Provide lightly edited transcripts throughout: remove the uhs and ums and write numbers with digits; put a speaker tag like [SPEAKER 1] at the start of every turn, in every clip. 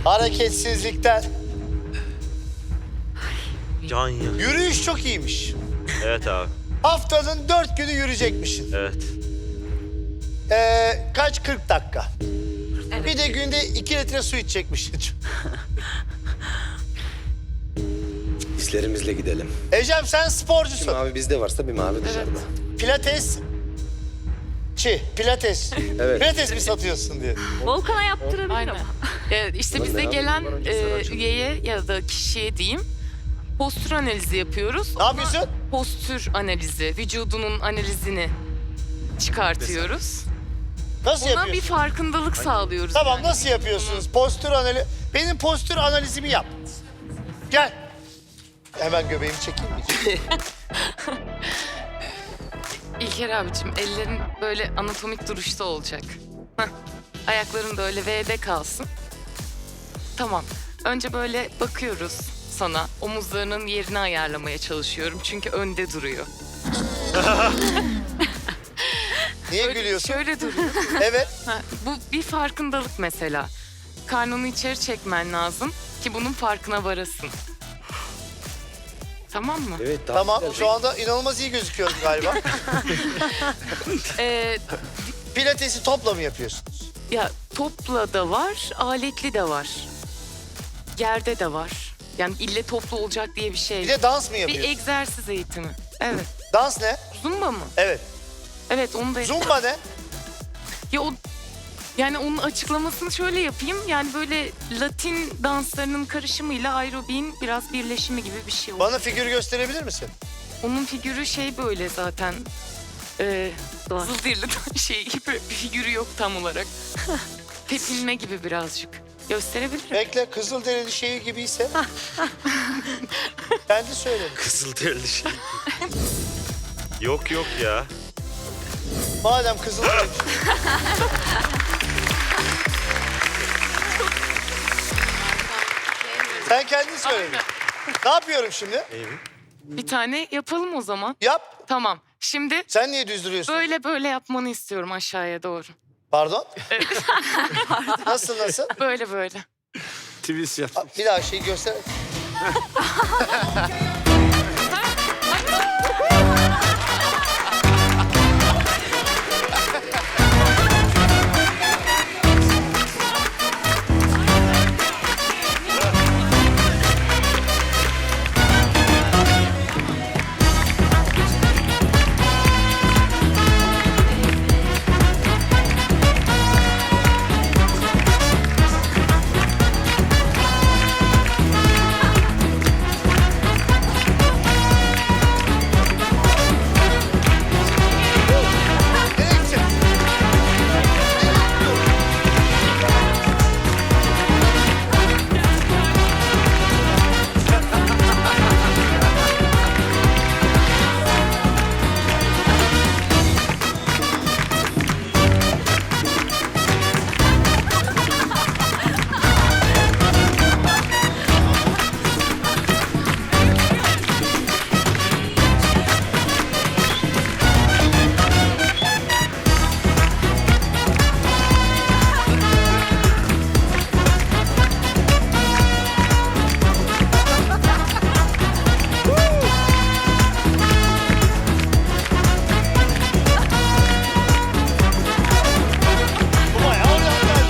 [SPEAKER 1] Hareketsizlikten.
[SPEAKER 2] Can ya.
[SPEAKER 1] Yürüyüş çok iyiymiş.
[SPEAKER 2] Evet abi.
[SPEAKER 1] Haftanın 4 günü yürüyecekmişsin.
[SPEAKER 2] Evet.
[SPEAKER 1] Kaç? 40 dakika.
[SPEAKER 3] Evet.
[SPEAKER 1] Bir de günde 2 litre su içecekmişsin.
[SPEAKER 4] Hislerimizle gidelim.
[SPEAKER 1] Ecem sen
[SPEAKER 4] Bir
[SPEAKER 1] sporcusun.
[SPEAKER 4] mavi bizde varsa bir mavi dışarıda.
[SPEAKER 1] Pilates. Pilates.
[SPEAKER 4] Evet.
[SPEAKER 1] Pilates mi satıyorsun diye.
[SPEAKER 3] Volkan'a yaptırabilir
[SPEAKER 5] Aynen.
[SPEAKER 3] ama.
[SPEAKER 5] İşte
[SPEAKER 4] Ulan
[SPEAKER 5] bize
[SPEAKER 4] ne
[SPEAKER 5] gelen
[SPEAKER 4] yapayım? Bana önce sen açıl.
[SPEAKER 5] üyeye ya da kişiye diyeyim postür analizi yapıyoruz.
[SPEAKER 1] Ne yapıyorsun?
[SPEAKER 5] Postür analizi, vücudunun analizini çıkartıyoruz.
[SPEAKER 1] Nasıl
[SPEAKER 5] Ona
[SPEAKER 1] yapıyorsun?
[SPEAKER 5] bir farkındalık sağlıyoruz.
[SPEAKER 1] Tamam
[SPEAKER 5] yani.
[SPEAKER 1] nasıl yapıyorsunuz? Postür analizi. Benim postür analizimi yap. Gel. Hemen göbeğimi çekeyim mi?
[SPEAKER 5] İlker abicim ellerin böyle anatomik duruşta olacak. Heh. Ayakların da öyle V'de kalsın. Tamam. Önce böyle bakıyoruz sana. Omuzlarının yerini ayarlamaya çalışıyorum. Çünkü önde duruyor.
[SPEAKER 1] Niye
[SPEAKER 5] Öyle-
[SPEAKER 1] gülüyorsun?
[SPEAKER 5] Şöyle duruyor.
[SPEAKER 1] Evet.
[SPEAKER 5] Ha, bu bir farkındalık mesela. Karnını içeri çekmen lazım ki bunun farkına varasın. Tamam mı?
[SPEAKER 4] Evet
[SPEAKER 1] Tamam.
[SPEAKER 4] güzel.
[SPEAKER 1] Şu anda inanılmaz iyi gözüküyorum galiba.
[SPEAKER 5] Ee,
[SPEAKER 1] Pilatesi topla mı yapıyorsunuz?
[SPEAKER 5] ya topla da var, aletli de var. Yerde de var. Yani ille toplu olacak diye bir şey
[SPEAKER 1] Bir
[SPEAKER 5] yok.
[SPEAKER 1] de dans mı
[SPEAKER 5] Bir
[SPEAKER 1] yapıyorsun?
[SPEAKER 5] egzersiz eğitimi. Evet.
[SPEAKER 1] Dans ne?
[SPEAKER 5] Zumba mı?
[SPEAKER 1] Evet.
[SPEAKER 5] Evet onu da...
[SPEAKER 1] Zumba ne?
[SPEAKER 5] Ya o, yani onun açıklamasını şöyle yapayım. Yani böyle Latin danslarının karışımıyla aerobin biraz birleşimi gibi bir şey oldu.
[SPEAKER 1] Bana figür gösterebilir misin?
[SPEAKER 5] Onun figürü şey böyle zaten. Zıldirli şey gibi bir figürü yok tam olarak. Tepinme gibi birazcık. Gösterebilirim.
[SPEAKER 1] Bekle, Kızılderili şeyi gibiyse. Kendi söyle.
[SPEAKER 2] Kızılderili şey. Yok ya.
[SPEAKER 1] Madem Kızılderili. Sen kendin söyle. Ne yapıyorum şimdi?
[SPEAKER 5] Bir tane yapalım o zaman.
[SPEAKER 1] Yap.
[SPEAKER 5] Tamam. Şimdi
[SPEAKER 1] Sen niye düz duruyorsun?
[SPEAKER 5] böyle yapmanı istiyorum aşağıya doğru.
[SPEAKER 1] Pardon? Nasıl?
[SPEAKER 5] Böyle.
[SPEAKER 2] Twist yap.
[SPEAKER 1] Bir daha şeyi göster. Nereye gideceksin? Bu bayağı oryantal.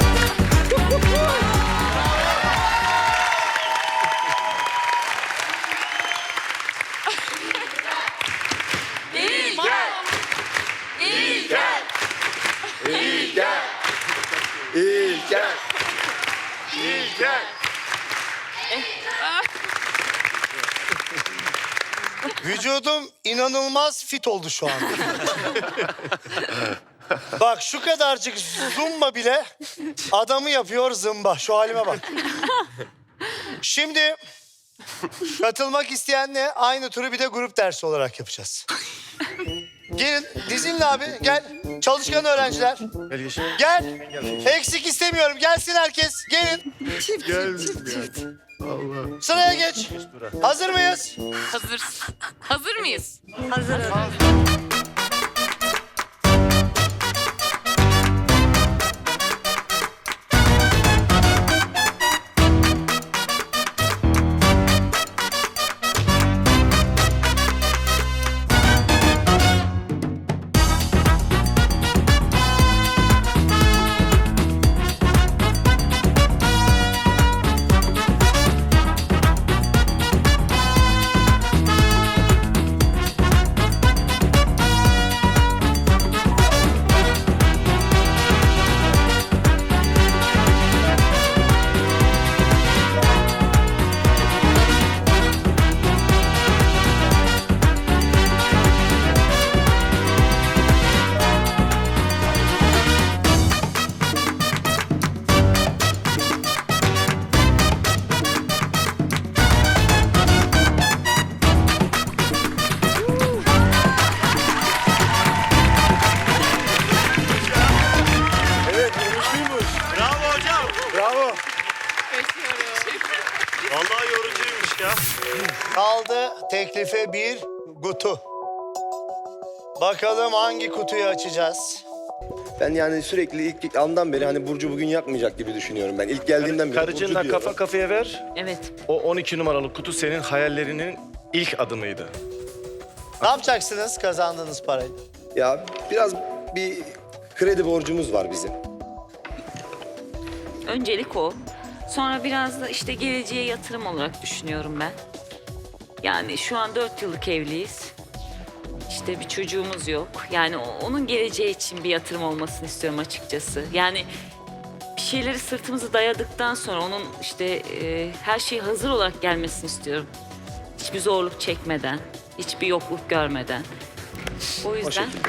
[SPEAKER 1] Vücudum inanılmaz fit oldu şu an. Bak şu kadarcık zumba bile adamı yapıyor zımba. Şu halime bak. Şimdi katılmak isteyenle aynı turu bir de grup dersi olarak yapacağız. Gelin dizinle abi gel. Çalışkan öğrenciler. Gel. Eksik istemiyorum. Gelsin herkes. Gelin. Sıraya geç. Hazır mıyız?
[SPEAKER 5] Hazır mıyız?
[SPEAKER 2] Vallahi yorucuymuş ya.
[SPEAKER 1] Kaldı teklife bir kutu. Bakalım hangi kutuyu açacağız?
[SPEAKER 4] Ben yani sürekli ilk andan beri hani Burcu bugün yakmayacak gibi düşünüyorum ben. İlk geldiğimden beri Burcu
[SPEAKER 6] Karıcığınla
[SPEAKER 4] diyorum.
[SPEAKER 6] kafa kafaya ver.
[SPEAKER 3] Evet.
[SPEAKER 6] O 12 numaralı kutu senin hayallerinin ilk adımıydı.
[SPEAKER 1] Ne yapacaksınız kazandığınız parayı?
[SPEAKER 4] Ya biraz bir kredi borcumuz var bizim.
[SPEAKER 3] Öncelik o. Sonra biraz da işte geleceğe yatırım olarak düşünüyorum ben. Yani şu an 4 yıllık evliyiz. İşte bir çocuğumuz yok. Yani onun geleceği için bir yatırım olmasını istiyorum açıkçası. Yani bir şeyleri sırtımızı dayadıktan sonra onun işte her şey hazır olarak gelmesini istiyorum. Hiçbir zorluk çekmeden, hiçbir yokluk görmeden. O
[SPEAKER 4] O
[SPEAKER 3] yüzden
[SPEAKER 4] şekilde.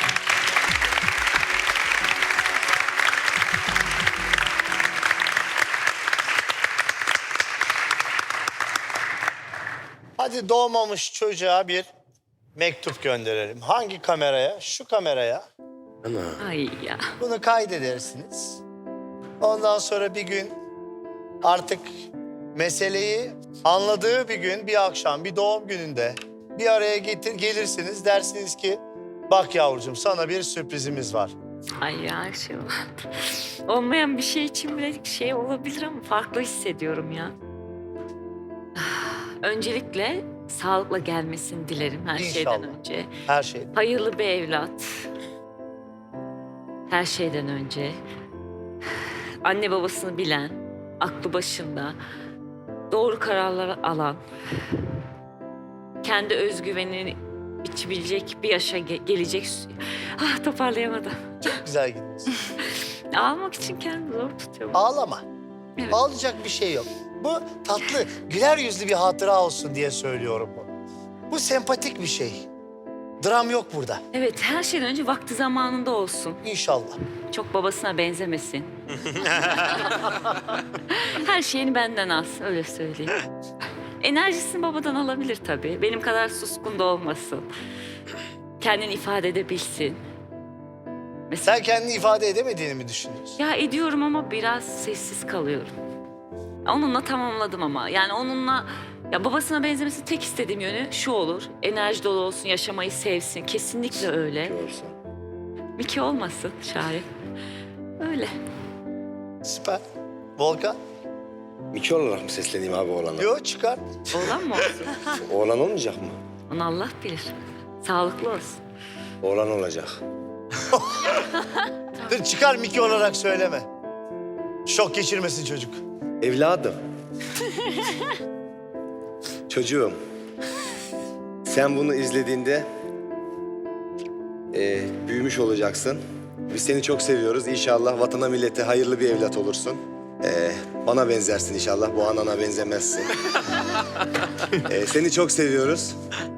[SPEAKER 1] Hadi doğmamış çocuğa bir mektup gönderelim. Hangi kameraya? Şu kameraya.
[SPEAKER 3] ay ya.
[SPEAKER 1] Bunu kaydedersiniz. Ondan sonra bir gün artık meseleyi anladığı bir gün, bir akşam, bir doğum gününde bir araya gelirsiniz. Dersiniz ki bak yavrucuğum sana bir sürprizimiz var.
[SPEAKER 3] Ay ya şey olmayan bir şey için bile şey olabilir ama farklı hissediyorum ya. Öncelikle sağlıkla gelmesini dilerim her şeyden
[SPEAKER 1] İnşallah.
[SPEAKER 3] önce.
[SPEAKER 1] Her şey.
[SPEAKER 3] Hayırlı bir evlat. Her şeyden önce. Anne babasını bilen, aklı başında, doğru kararlar alan, kendi özgüvenini biçebilecek bir yaşa gelecek. Ah toparlayamadım.
[SPEAKER 1] Güzel gidiyorsun.
[SPEAKER 3] Almak için kendimi zor tutuyorum.
[SPEAKER 1] Ağlama.
[SPEAKER 3] Evet.
[SPEAKER 1] Ağlayacak bir şey yok. Bu tatlı, güler yüzlü bir hatıra olsun diye söylüyorum bu. Bu sempatik bir şey. Dram yok burada.
[SPEAKER 3] Evet, her şeyden önce vakti zamanında olsun.
[SPEAKER 1] İnşallah.
[SPEAKER 3] Çok babasına benzemesin. Her şeyini benden alsın, öyle söyleyeyim. Enerjisini babadan alabilir tabii. Benim kadar suskun da olmasın. Kendini ifade edebilsin. Mesela,
[SPEAKER 1] Sen kendini ifade edemediğini mi düşünüyorsun?
[SPEAKER 3] ya ediyorum ama biraz sessiz kalıyorum. Onunla tamamladım ama. Yani onunla ya babasına benzemesi tek istediğim yönü şu olur. Enerji dolu olsun, yaşamayı sevsin. Kesinlikle öyle.
[SPEAKER 4] Görsen.
[SPEAKER 3] Miki olmasın Şahin. Öyle.
[SPEAKER 1] Süper. Volkan?
[SPEAKER 4] Miki olarak mı sesleneyim abi oğlana?
[SPEAKER 1] Yo çıkar.
[SPEAKER 3] Oğlan mı olsun?
[SPEAKER 4] Oğlan olmayacak mı?
[SPEAKER 3] Onu Allah bilir. Sağlıklı olsun.
[SPEAKER 4] Oğlan olacak.
[SPEAKER 1] Dur çıkar Miki olarak söyleme. Şok geçirmesin çocuk.
[SPEAKER 4] Evladım. Çocuğum. Sen bunu izlediğinde büyümüş olacaksın. Biz seni çok seviyoruz. İnşallah vatana millete hayırlı bir evlat olursun. Bana benzersin inşallah. Bu anana benzemezsin. Seni çok seviyoruz.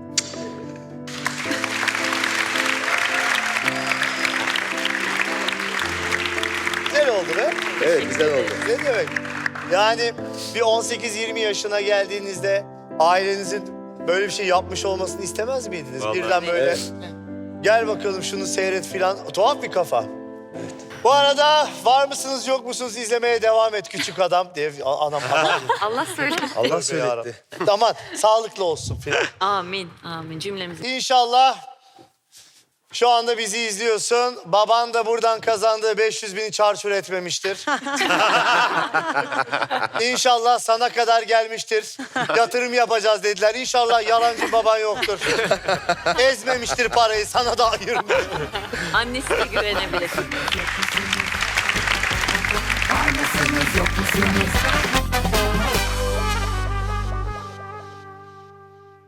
[SPEAKER 1] Güzel oldu be.
[SPEAKER 4] Evet güzel oldu.
[SPEAKER 1] Ne demek? Yani bir 18-20 yaşına geldiğinizde ailenizin böyle bir şey yapmış olmasını istemez miydiniz?
[SPEAKER 2] Vallahi.
[SPEAKER 1] Birden böyle
[SPEAKER 4] Evet.
[SPEAKER 1] gel bakalım şunu seyret filan. Tuhaf bir kafa. Bu arada var mısınız yok musunuz izlemeye devam et küçük adam diye anam falan.
[SPEAKER 3] Allah söyle.
[SPEAKER 4] Allah
[SPEAKER 1] Tövbe
[SPEAKER 4] söyletti.
[SPEAKER 1] yarabbim. Aman sağlıklı olsun filan.
[SPEAKER 3] Amin. Amin. Cümlemizi.
[SPEAKER 1] İnşallah şu anda bizi izliyorsun. Baban da buradan kazandığı 500.000'i çarçur etmemiştir. İnşallah sana kadar gelmiştir. Yatırım yapacağız dediler. İnşallah yalancı baban yoktur. Ezmemiştir parayı, sana da ayırmıyor.
[SPEAKER 3] Annesine güvenebilir.
[SPEAKER 7] Var mısınız yok musunuz?